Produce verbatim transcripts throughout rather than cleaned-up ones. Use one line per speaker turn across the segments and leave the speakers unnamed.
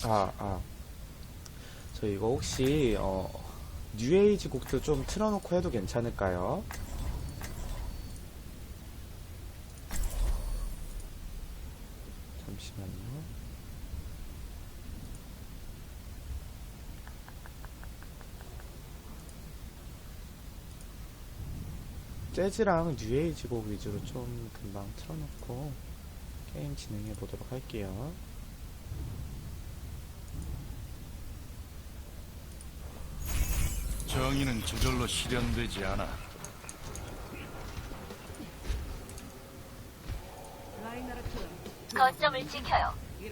아, 아. 저 이거 혹시, 어, 뉴에이지 곡도 좀 틀어놓고 해도 괜찮을까요? 잠시만요. 재즈랑 뉴에이지 곡 위주로 좀 금방 틀어놓고 게임 진행해 보도록 할게요.
정의는 저절로 실현되지 않아.
거점을 지켜요.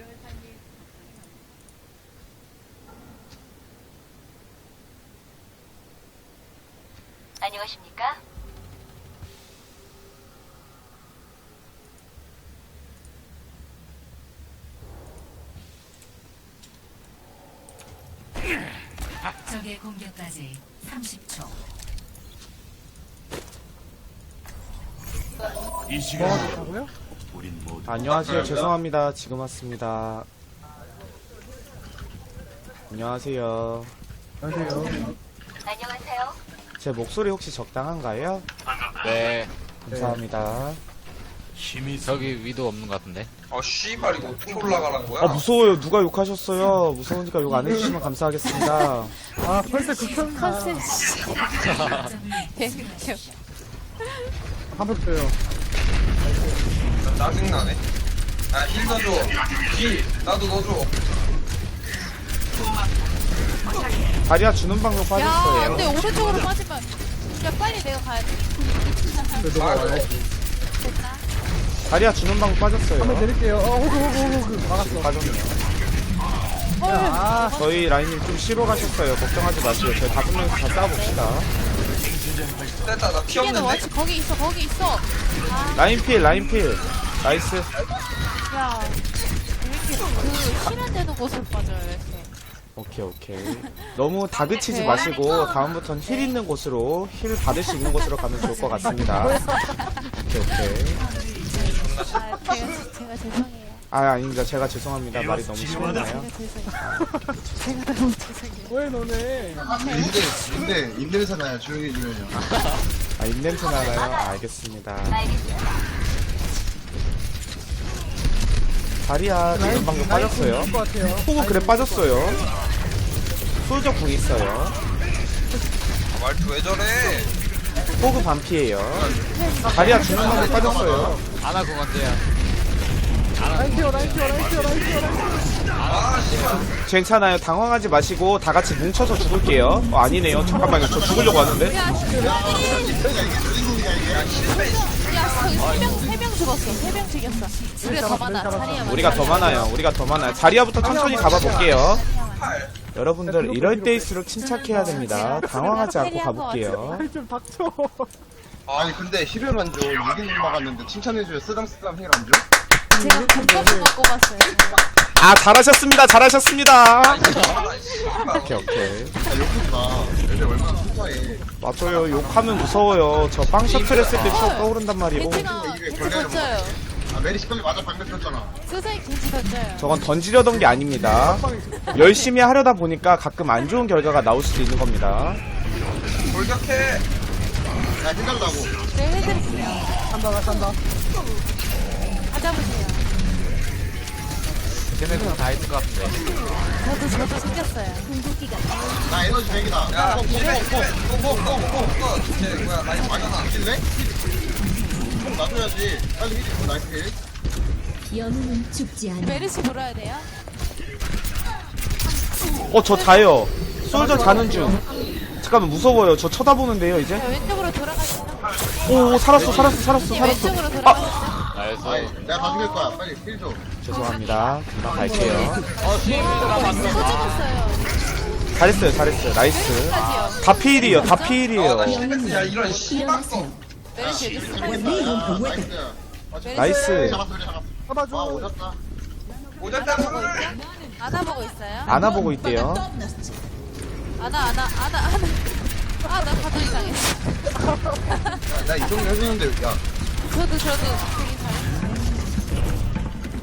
안녕하십니까?
적의 공격까지 삼십 초.
이 시간
하고요?
우린 모두
안녕하세요. 죄송합니다. 지금 왔습니다. 안녕하세요.
안녕하세요.
안녕하세요.
제 목소리 혹시 적당한가요?
네,
감사합니다.
힘이
저기 위도 없는 것 같은데.
아 씨발 이거 어떻게 올라가는 거야?
아, 무서워요. 누가 욕하셨어요? 무서우니까 욕 안 해주시면 감사하겠습니다.
아, 벌써 극성나. 한번 줘요.
나 짜증나네. 아 힐 넣어줘. 힐 나도 넣어줘.
다리아 주는 방법
야,
빠졌어요.
근데 오른쪽으로 빠지면 야 빨리 내가 가야 돼.
그래도
아,
와야지.
됐나?
다리아 주는 방법 빠졌어요.
한번 드릴게요. 어, 호그, 호그, 호그. 막았어.
빠졌네요.
헐.
아,
저희 라인님 좀 쉬러 가셨어요. 걱정하지 마시고 저희 다섯 명이서 다 싸워봅시다.
됐다 나 피
뒤에는
없는데.
워치 거기 있어 거기 있어. 아,
라인 필, 라인 필. 나이스.
야, 이렇게 그 실현 되는 곳으로 빠져요 이렇게.
오케이, 오케이. 너무 다그치지
네.
마시고 다음부턴 힐 있는 곳으로 힐 받을 수 있는 곳으로 가면 좋을 것 같습니다. 오케이, 오케이.
아, 제가 제가 죄송해요.
아, 아닙니다. 제가 죄송합니다. 말이 너무 심했나요?
제가 죄송해요. 제가 너무 죄송해요.
왜 너네?
근데 근데 입냄새 나요. 조용히 해주면요.
아, 입냄새 나나요? 아, 알겠습니다.
알겠습니다.
다리아 주는 방법 빠졌어요.
것 같아요.
호구 그래 빠졌어요. 솔저 궁 있어요.
아, 말투 왜 저래?
호구 반피에요. 다리아 주는 방법 빠졌어요.
아나 공 언제야?
라인 키워, 라인 키워, 라인 키워, 라인 키워, 라인 키워.
아 씨발.
괜찮아요. 당황하지 마시고 다 같이 뭉쳐서 죽을게요. 어, 아니네요. 잠깐만요. 저 죽으려고 하는데.
야, 야, 세명 죽었어. 세 명 죽였어. 우리가 더 많아. 자리야.
우리가 더 많아요. 우리가 더 많아요. 자리아부터 천천히 가봐볼게요. 여러분들 이럴 때일수록 침착해야 됩니다. 당황하지 않고 가볼게요.
좀 닥쳐.
아니 근데 힐을 안 줘. 이기는 막았는데 칭찬해줘요. 쓰담쓰담 힐 안 줘?
제가 공격수 갖고 갔어요.
아, 잘하셨습니다. 잘하셨습니다.
아 씨발.
오케이, 오케이.
아 욕하지 마. 애들 얼마나 순수해.
맞아요. 욕하면 무서워요. 저 빵 셔틀 했을 때 추억 떠오른단 말이고.
겐지가 겐지 던져요.
아 메리시 빨리 맞아. 방금 쳤잖아.
선생님 겐지 던져요.
저건 던지려던 게 아닙니다. 열심히 하려다 보니까 가끔 안 좋은 결과가 나올 수도 있는 겁니다.
돌격해.
야 힘달라고.
네, 해드릴게요.
간다, 나 간다.
찾아보세요.
걔네 공다 했을 것 같은데.
저도 저도 생겼어요.
나 에너지 백이다.
야
뽕,
힐해
뽕, 뽕,
힐해. 뽕뽕뽕뽕. 쟤 뭐야 나 이거
아니
맞잖아.
힐래? 뽕 놔줘야지. 빨리 힐 있고 나이스 힐.
영웅은 죽지 않아.
메르시 물어야 돼요.
어, 저 자요. 솔저 자는 중. 잠깐만, 무서워요. 저 쳐다보는데요, 이제?
자, 왼쪽으로 돌아가시죠.
오, 살았어, 살았어, 살았어,
님
살았어.
왼쪽으로
아,
돌아가시죠.
나이스.
아니 내가 다 죽일 거야. 빨리 힐 줘.
죄송합니다. 금방 갈게요.
어, 시엠이가
또
맞는
죽었어요.
잘했어요, 잘했어요. 나이스.
메르시까지요.
다 피일이에요, 다
아나
피일이에요.
실패야 이런 씨발거.
메르시 여기 숨어
나이스.
있어요.
나이스.
메르시
잡았어 그래 잡았어.
잡아줘.
와 오졌다.
오졌다 손을.
안아보고 있어요.
안아보고 있대요.
안아 안아 안아 안아. 아나 가도 이상했어.
나 이 정도 해주는데 야
저도 저도 되게 잘했어요.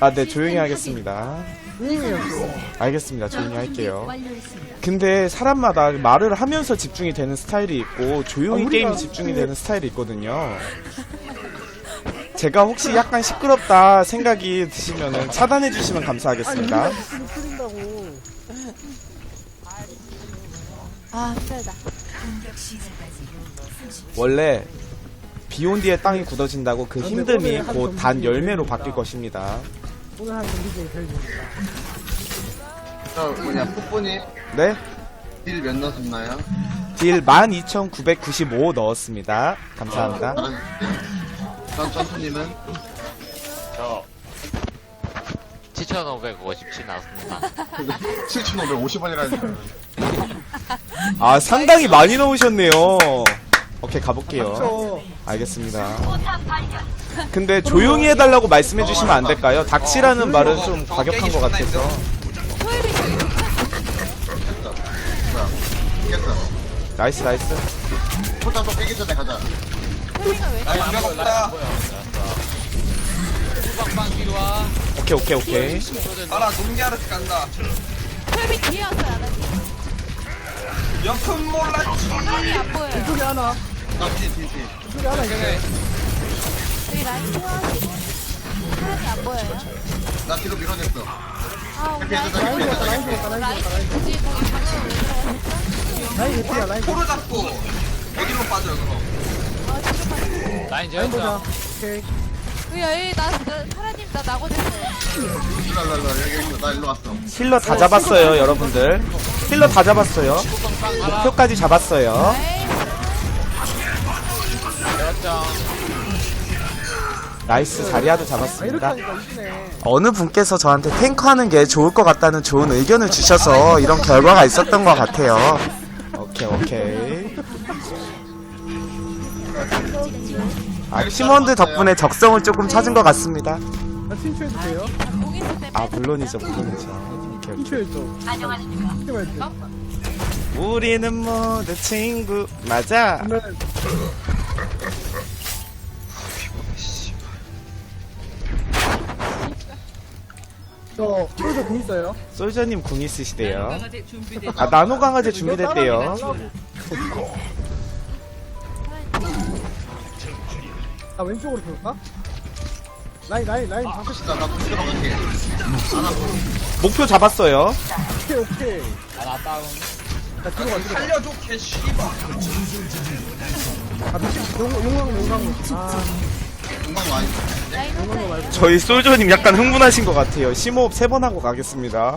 아, 네, 조용히 하겠습니다.
조용해요.
알겠습니다. 조용히 할게요. 근데 사람마다 말을 하면서 집중이 되는 스타일이 있고 조용히
아, 우리가
게임에 집중이 되는 스타일이 있거든요. 제가 혹시 약간 시끄럽다 생각이 드시면은 차단해 주시면 감사하겠습니다.
아니 우리가 풀린다고.
아, 힘들다.
공격 시작까지 삼십 초.
원래 비온 뒤에 땅이 굳어진다고 그 힘듦이 곧 단 열매로 바뀔 것입니다.
오늘 한 경기 중에 제일 좋습니다.
저 뭐냐 풋분이
네?
딜 몇 넣었나요?
딜 만 이천구백구십오 넣었습니다. 감사합니다.
다른 점프님은
저 칠천오백오십칠 나왔습니다.
칠천오백오십 원이라는
아, 상당히 많이 넣으셨네요. 오케이, 가볼게요.
저
알겠습니다. 근데 조용히 해달라고 말씀해 주시면 안 될까요? 닥치라는 말은 좀 과격한 것 같아서.
이겼어.
나이스, 나이스.
포장 또 깨기 전에 가자.
나 연락 없다.
후방방 뒤로 와.
오케이, 오케이, 오케이.
알아, 농기하러 간다.
털비 뒤에 왔어요, 하나님.
여튼 몰랐지.
털이 안 보여요.
이쪽에 하나.
나뒤뒤뒤
이쪽에 하나 있어.
여기 라인 태워가지고. 털이 안 보여요.
나 뒤로 밀어냈어.
아, 우리 라인
라인
라인 죽었다. 라인 죽었다. 라인
라인
죽었다. 라인
굳이 거기 방금 왜 들어가셨죠?
라인 개피야. 라인
코로 잡고 어디로 빠져요, 그럼?
아, 지금 봤어요.
라인
라인 보자.
재웠죠?
오케이.
여기, 여기, 나, 나, 사라님, 나 나고됐어요.
일로 일로 일로 여기 있어. 나 일로 왔어.
힐러 다 잡았어요, 여러분들. 힐러 다 잡았어요.
후방방 가라.
목표까지 잡았어요.
에이,
재웠죠?
나이스, 자리아도
아, 이렇게
잡았습니다.
하니까 이기네.
어느 분께서 저한테 탱커하는 게 좋을 것 같다는 좋은 의견을 주셔서 이런 결과가 있었던 것 같아요. 오케이, 오케이. 아, 팀원들 덕분에 적성을 조금 찾은 것 같습니다.
나 친추해도 돼요?
공 있을 때
아, 물론이죠, 물론이죠. 오케이, 오케이.
친추해줘.
안녕하십니까.
이렇게 말지.
우리는 모두 친구. 맞아.
그러면 저 솔저 공 있어요?
솔저님 궁 있으시대요. 아, 나노 강화제 준비됐대요.
나 왼쪽으로 돌까? 라인 라인 라인 다
진짜 나도 들어갈게.
목표 잡았어요.
오케이 오케이.
하나 다운.
나 뒤로 가 뒤로
살려줘, 개씨발.
가. 아 미친 용 용광 용광. 아
금방 와.
라인 혼자예요.
저희 솔저님 약간 흥분하신 것 같아요. 심호흡 세 번 하고 가겠습니다.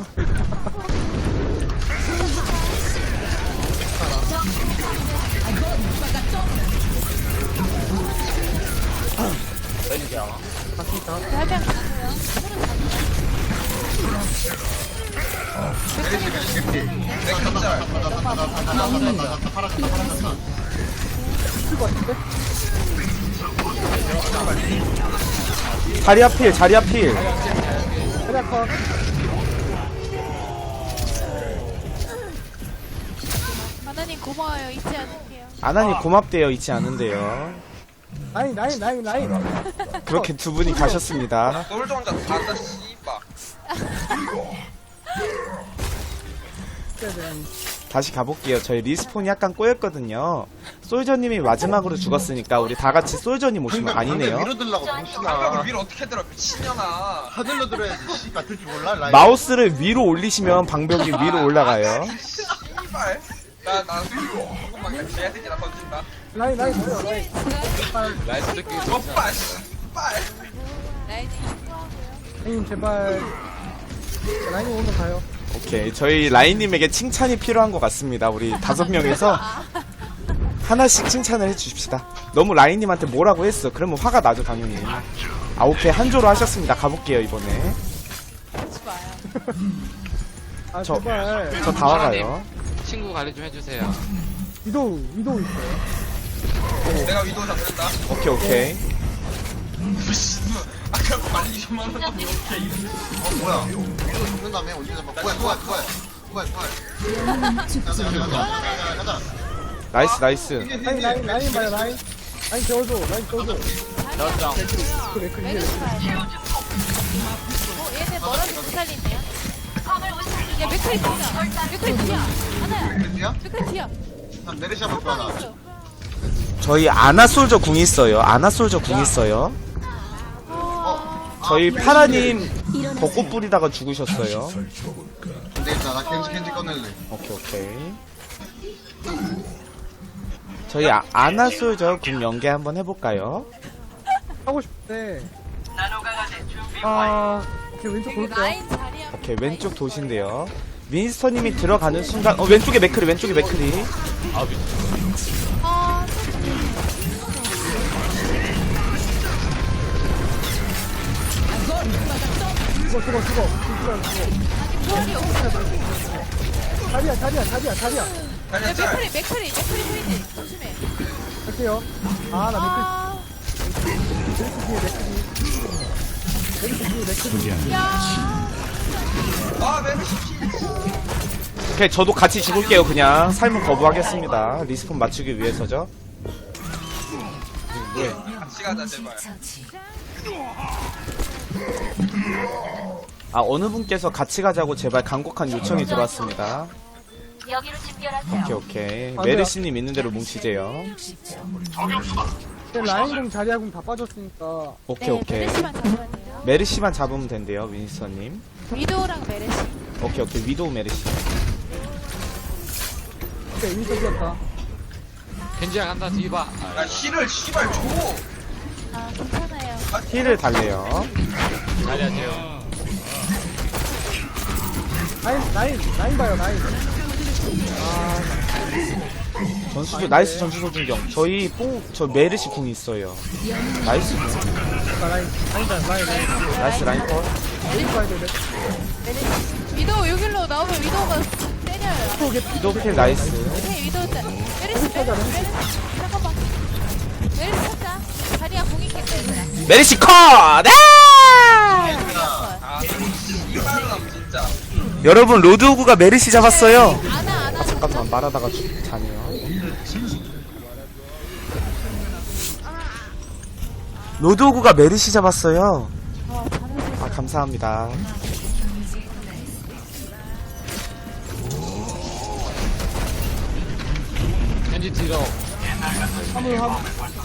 왼쪽.
할병 가세요.
메리시 메리시 개피.
내 깜짝.
쓸 것 같은데?
자리아 필, 자리아 필.
그래 컷.
하나님 고마워요. 잊지 않을게요.
아나님 고맙대요. 잊지 않은데요.
라인 라인 라인 라인.
그렇게 두 분이 가셨습니다.
솔저 혼자 다 한다, 씨발.
다시 가볼게요. 저희 리스폰이 약간 꼬였거든요. 솔저님이 마지막으로 죽었으니까 우리 다 같이 솔저님 오시면 아니네요.
위로 들라고
방벽을
정신아.
위로 어떻게 들어, 미친년아.
하늘로 들어야지. 씨발 들줄 몰라. 라인.
마우스를 위로 올리시면 방벽이 위로 올라가요.
씨발. 나, 나, 조금만 같이 해야 되지, 나 던진다.
라인 라인 뭐야 라인.
라인 스키
오빠, 씨발.
라인이 힘들어하고요.
라인 제발. 라인 오면 가요.
오케이. 저희 라인님에게 칭찬이 필요한 것 같습니다. 우리 다섯 명에서 하나씩 칭찬을 해주십시다. 너무 라인님한테 뭐라고 했어. 그러면 화가 나죠, 당연히. 아, 오케이. 한조로 하셨습니다. 가볼게요, 이번에.
하지 마요.
아
저-
제발.
저 다 와가요.
친구 관리 좀 해주세요.
위도우 위도우 있어요.
내가 위도 잡는다.
오케이, 오케이.
아까 관리 좀 하는 거 오케이.
어 뭐야? 이거 죽는 다음에 언제 잡아? 뭐야 뭐야 뭐야 뭐야 뭐야? 가자 가자 가자 가자.
나이스, 나이스.
라인 라인 라인 봐요 라인. 라인 재워줘 라인 재워줘.
저쪽.
그래 그래.
왼쪽 가야 돼. 어, 얘네 멀어서 못 살리네요. 야, 맥크리 뒤야. 맥크리 뒤야. 하나야.
그래야?
맥크리 뒤야.
난 메르시 한번 좋아나.
있어.
저희 아나솔저 궁 있어요. 아나솔저 궁 있어요.
아,
저희 파라님 벚꽃 뿌리다가 죽으셨어요.
근데 일단 나 겐지 겐지 꺼낼래.
오케이 오케이. 저희 아, 아나솔저 궁 연계 한번 해볼까요?
하고 싶은데. 아, 오케이, 왼쪽 볼게요.
라인 자리야.
오케이 왼쪽 도시인데요. 윈스터님이 들어가는 순간 어 왼쪽에 맥크리 왼쪽에 맥크리.
아, 미
아,
죽어, 죽어, 죽어. 죽어, 죽어.
부활이 없어.
자리야, 자리야, 자리야, 자리야.
야,
달려 짤.
맥크리, 맥크리, 맥크리 보이지? 조심해.
갈게요. 아, 나
아,
맥크, 맥크 뒤에 맥크. 맥크 뒤에 맥크.
야.
아 메르시
오케이 저도 같이 죽을게요. 그냥 삶은 거부하겠습니다. 리스폰 맞추기 위해서죠.
같이 가자 제발.
처치.
아 어느 분께서 같이 가자고 제발 간곡한 요청이 들어왔습니다.
여기로 집결하세요.
오케이 오케이.
안
메르시님 있는 대로 뭉치재요.
근데 라인공, 자리야공 다 빠졌으니까.
오케이
네,
오케이.
메르시만 잡으면 돼요.
메르시만 잡으면 된대요 윈스터님.
위도우랑 메르시.
오케이 오케이 위도우 메르시.
오케이, 인터 뛰었다.
겐지야 간다 뒤봐.
야 힐을 씨발 줘.
아, 괜찮아요.
힐을 달래요.
잘해야죠.
라인, 라인, 라인 봐요, 라인.
전수조 나이스 전수조 중경. 저희 뽕저 메르시 궁 있어요. 나이스 궁.
나 라인, 라인, 라인, 라인, 라인.
나이스 라인 컷.
라인 봐야 돼, 맥크.
메르시. 위도우 여기로 나오면 위도우가 때려요.
위도우 킬 나이스.
오케이, 위도우 짜. 메르시, 메르시, 메르시. 잠깐만. 메르시 찾자. 자리야 공이 캔다, 얘들아.
메르시 컷! 네!
아 씨발은 암 진짜.
여러분 로드오그가 메르시 잡았어요.
아나, 아나.
잠깐만 말하다가 죽- 자네요. 로드오그가 메르시 잡았어요.
어, 자는
아 감사합니다.
겐지 뒤로.
화물, 화물.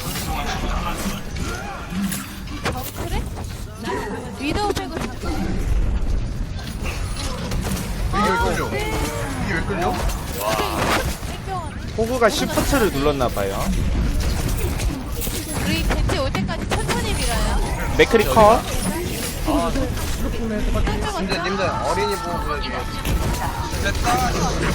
어, 그래? 위도우 빼고 잡자.
이게 왜 끌려? 이게 왜 끌려?
땡겨가네.
호그가 시프트를 눌렀나봐요.
우리 겐지 올 때까지 천천히 밀어요.
맥크리 컷.
근데 님들 어린이 보고 그러지. 됐다.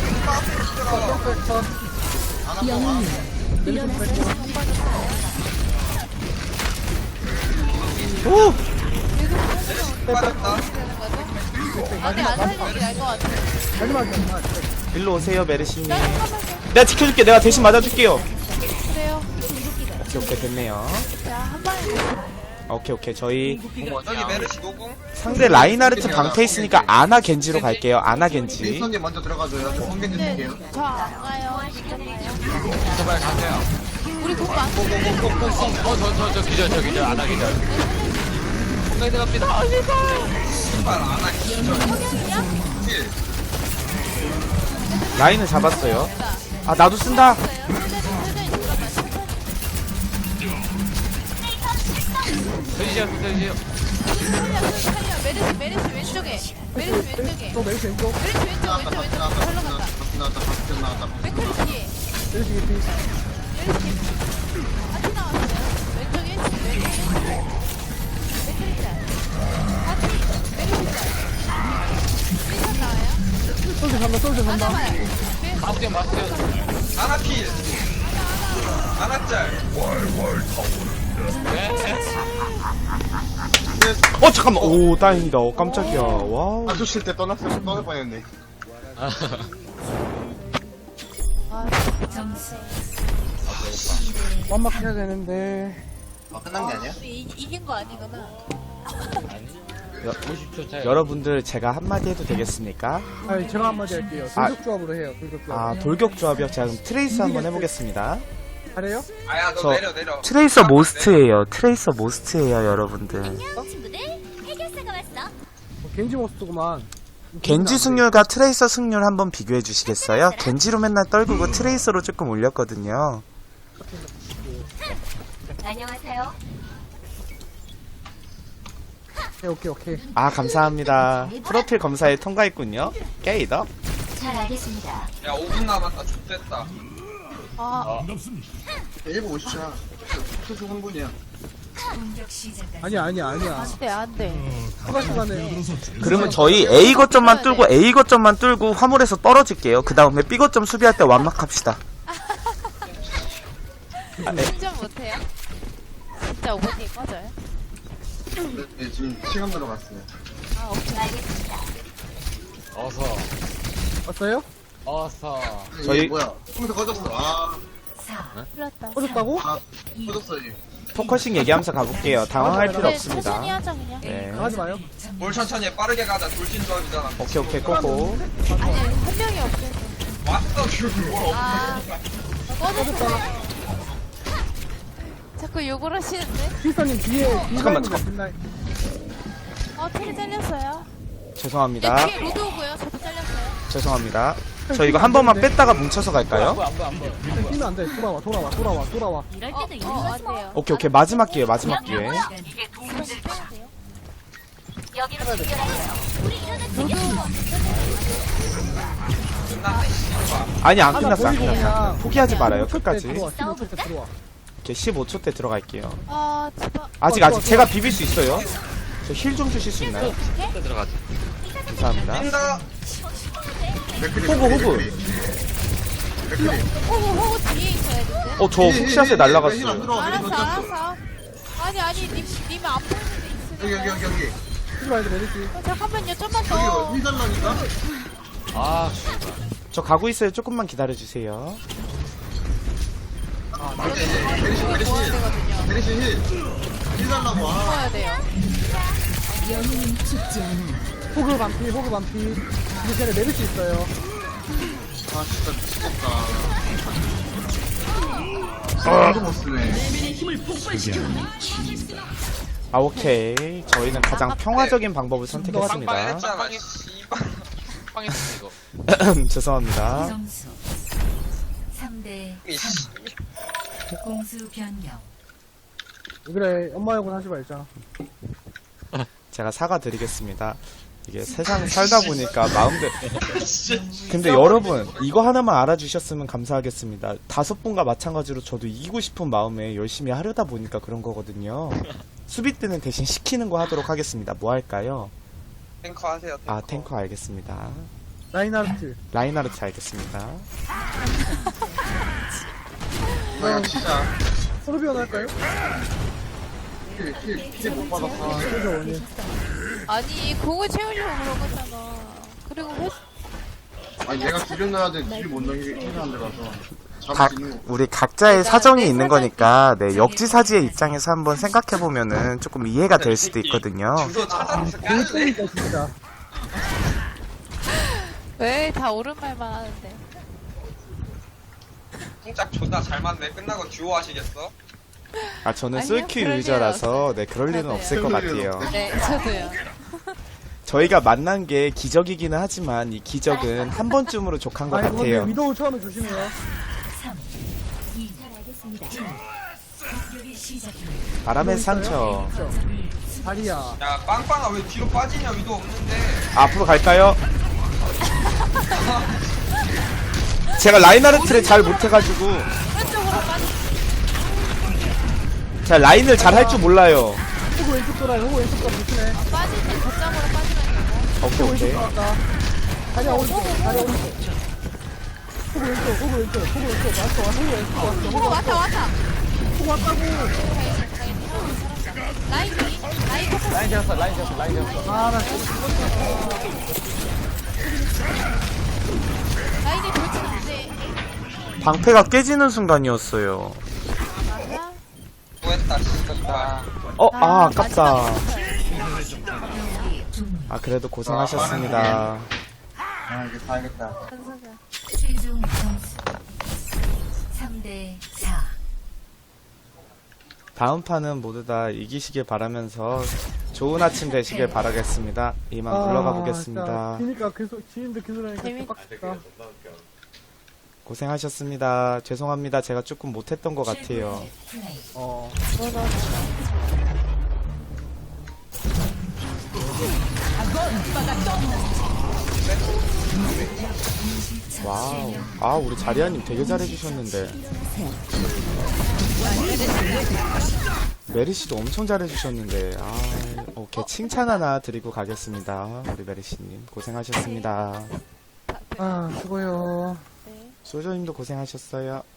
오!
빠졌다.
아니, 안 살리는 알것 같아.
마지막에, 마지막에.
일로 오세요 메르시님.
나 잠깐만요.
내가 지켜줄게. 내가 대신 맞아줄게요.
그래요.
오케이 오케이 됐네요.
자, 한 방에.
오케이 오케이 저희
저기 메르시 노궁.
상대 라인하르트 방패 있으니까 아나 겐지로 갈게요. 아나 겐지.
윈스턴님 먼저 들어가줘요. 저 겐지
네,
줄게요.
저안 가요. 시간 가요.
제발 가세요.
우리 공부 안
어, 저, 저, 저 기절, 저 기절, 안 하기절. 공간에 들어갑니다.
씨발 안 하기.
힐.
라인을 잡았어요. 아 나도 쓴다.
서지시요, 서지시요.
메르시, 메르시 왼쪽에. 메르시 왼쪽에.
또 메이스 왼쪽.
메르시 왼쪽,
나왔다,
왼쪽, 왼쪽.
나왔다,
절로
나왔다,
간다.
나왔다, 나왔다, 나왔다.
맥크리 뒤에.
메이스 개피.
메르시 같이 나왔어요. 왼쪽에, 왼쪽에. 맥크리 짤. 같이. 메르시 짤. 리선 나와요.
솔져 산다, 솔져 산다.
하나만.
마스요, 마스요.
아나 필. 아나 짤.
네.
어 잠깐만. 오 다행이다. 어, 깜짝이야. 와우.
안주실때 떠났으면 떠날 뻔했네.
점수
완막 해야 되는데.
아, 끝난 게 아니야?
우리 이, 이긴 거 아니구나.
오십 초 차이.
여러분들 제가 한마디 해도 되겠습니까?
아, 제가 한마디 할게요.
아.
돌격조합으로 해요, 돌격조합.
아 돌격 조합이요. 제가 그럼 트레이서 한번 해보겠습니다.
잘해요?
아야 너
저
내려 내려.
트레이서 모스트예요. 트레이서 모스트예요, 여러분들.
친구들, 해결사가 왔어.
어, 겐지 모스구만.
겐지 승률과 트레이서 승률 한번 비교해 주시겠어요? 겐지로 맨날 떨구고 트레이서로 조금 올렸거든요.
안녕하세요.
오케이 오케이 오케이.
아, 감사합니다. 프로필 검사에 통과했군요. 게이더.
잘 알겠습니다.
야 오 분 남았다. 좋됐다.
아,
일 분 오십 초야. 수수 한 분이야.
공격 시작까지
아니야 아니야 아니야.
안돼 안돼.
추가 시간에.
그러면 저희 A 거점만 뚫고 A 거점만 뚫고 화물에서 떨어질게요. 그 다음에 B 거점 수비할 때 완막합시다.
운전 못해요? 진짜 오 분 뒤에 꺼져요?
네, 지금 시간 들어갔어요.
아 오케이.
알겠습니다.
어서
왔어요?
어서
저희-
저희 뭐야? 컴퓨터 꺼졌어. 아,
풀렸다.
꺼졌다고?
아, 꺼졌어 얘.
포커싱 얘기하면서 가볼게요. 당황할 필요
네,
없습니다.
천천히 하자 그냥.
네.
하지 마요.
뭘 천천히 해. 빠르게 가자. 돌진 조합이잖아.
오케이, 오케이, 꼬꼬.
아니 한 명이 없어서.
왔어. 뭘
아 꺼졌어. 자꾸 욕을 하시는데?
필사님 뒤에 뒤에
잠깐만,
잠깐만.
어 테리 잘렸어요.
죄송합니다.
네, 뒤에 로드 오고요. 저도 잘렸어요.
죄송합니다. 저 이거 한 번만 뺐다가 뭉쳐서 갈까요?
뛰면 안 돼. 돌아와 돌아와 돌아와 돌아와.
이럴
어,
때도
어,
있는
안 돼요.
오케이, 오케이. 마지막 기회, 마지막 기회.
이건 빼면 돼요.
여기로 집결하세요. 우리 이러다 죽여.
아니, 안
하나
끝났어, 안
보이고
끝났어.
그냥
포기하지 말아요,
십오 초 때
끝까지.
들어와, 십오 초 때 들어와.
오케이, 십오 초 때 들어갈게요.
아 제발.
아직,
좋아,
아직
좋아.
제가 비빌 수 있어요. 저 힐 좀 주실 수 있나요?
또 들어가지.
감사합니다.
뛴다.
맥크리,
호구, 호구.
맥크리. 맥크리.
호구 호구 뒤에 있어야 되는데.
어, 저 훅샷에
힐안
날라갔어요.
들어와.
알았어
맥크리 던졌어.
알았어. 아니 아니 님 님은 안 보이는데
여기 여기
있으니까.
여기 여기.
하지 말고 내리지.
어, 잠깐만요 좀만
여기
더.
힐 달라니까.
아 씨발.
저 가고 있어요. 조금만 기다려주세요.
이제 이제 메리시 메리시
모아야
힐.
되거든요.
메리시 힐. 힐 달라고. 아,
모아야 돼요.
호그 반피 호그 반피. 근데 쟤네 내릴 수 있어요.
아 진짜 미치겠다. 아, 이거 못 쓰네.
아, 오케이. 저희는 가장 평화적인 방법을
빵빵
선택했습니다.
했잖아. 씨발.
빵했어 이거.
죄송합니다.
점수 삼 대
이씨.
공수 변경.
그래 엄마 욕은 하지 말자.
제가 사과드리겠습니다. 이게 세상 살다 보니까 마음대로. 근데 여러분, 이거 하나만 알아주셨으면 감사하겠습니다. 다섯 분과 마찬가지로 저도 이기고 싶은 마음에 열심히 하려다 보니까 그런 거거든요. 수비 때는 대신 시키는 거 하도록 하겠습니다. 뭐 할까요?
탱커 하세요.
아, 탱커 알겠습니다.
라인하르트.
라인하르트 알겠습니다.
아 진짜.
소르비온 할까요?
힐힐힐못 받았어.
그죠 원이.
아니 공을 채우려고 그런 거잖아. 그리고 회
아니 얘가 딜을 넣어야 돼. 딜을 못 넣게 힐안 들어가서.
각,
잡을 수 있는 거.
우리 각자의 사정이 있는 거니까, 네, 역지사지의 입장에서 한번 생각해보면은 조금 이해가 될 수도 있거든요.
주소 찾아서
되게
깔래.
쫄리다 진짜.
왜 다 옳은 말만 하는데.
쿵짝 존나 잘 맞네. 끝나고 듀오 하시겠어?
아, 저는
아니요,
솔큐
그럴
유저라서, 네, 그럴 리는
맞아요.
없을 것
그럴 리는
같아요.
네 저도요.
저희가 만난 게 기적이기는 하지만, 이 기적은 한 번쯤으로 족한 것
아니 근데
같아요.
위도우 처음에 조심해요.
잘 알겠습니다.
공격이 시작됩니다.
바람의 상처.
다리야.
야 빵빵아 왜 뒤로 빠지냐. 위도 없는데.
앞으로 갈까요? 제가 라인하르트를 잘 못해가지고,
왼쪽으로 빠지.
제가 라인을 잘 할 줄 몰라요.
호그 왼쪽 돌아요. 호그 왼쪽 돌아 조심해.
빠질 때 거점으로 빠지면 되고.
오케이, 오케이.
돌아왔다. 다리야 오른쪽. 다리야 오른쪽. 호그 왼쪽. 호그 왼쪽. 호그 왼쪽. 왔어. 왔어. 호그 왼쪽 왔어. 호그
호구 왔다 왔다.
호그 왔다고.
라인 뒤. 라인 포커스.
라인 잡았어 라인 잡았어 라인 잡았어.
아나
라인이 돌진 안 돼.
방패가 깨지는 순간이었어요.
맞아?
수고했다. 씨발.
어, 아, 아깝다.
경기 중
아, 그래도 고생하셨습니다.
아 이게 다야겠다.
현석아.
최종 점수 삼 대 사.
다음 판은 모두 다 이기시길 바라면서 좋은 아침 되시길 바라겠습니다. 이만 물러가 보겠습니다.
아, 그니까 계속 지인들 계속 하니까
재밌-
빡빡다.
고생하셨습니다. 죄송합니다. 제가 조금 못했던 것 같아요.
어.
와우. 아, 우리 자리아님 되게 잘해주셨는데. 메리씨도 엄청 잘해주셨는데. 아, 오케이. 칭찬 하나 드리고 가겠습니다. 우리 메리씨님. 고생하셨습니다.
아, 수고요.
네.
소저님도 고생하셨어요.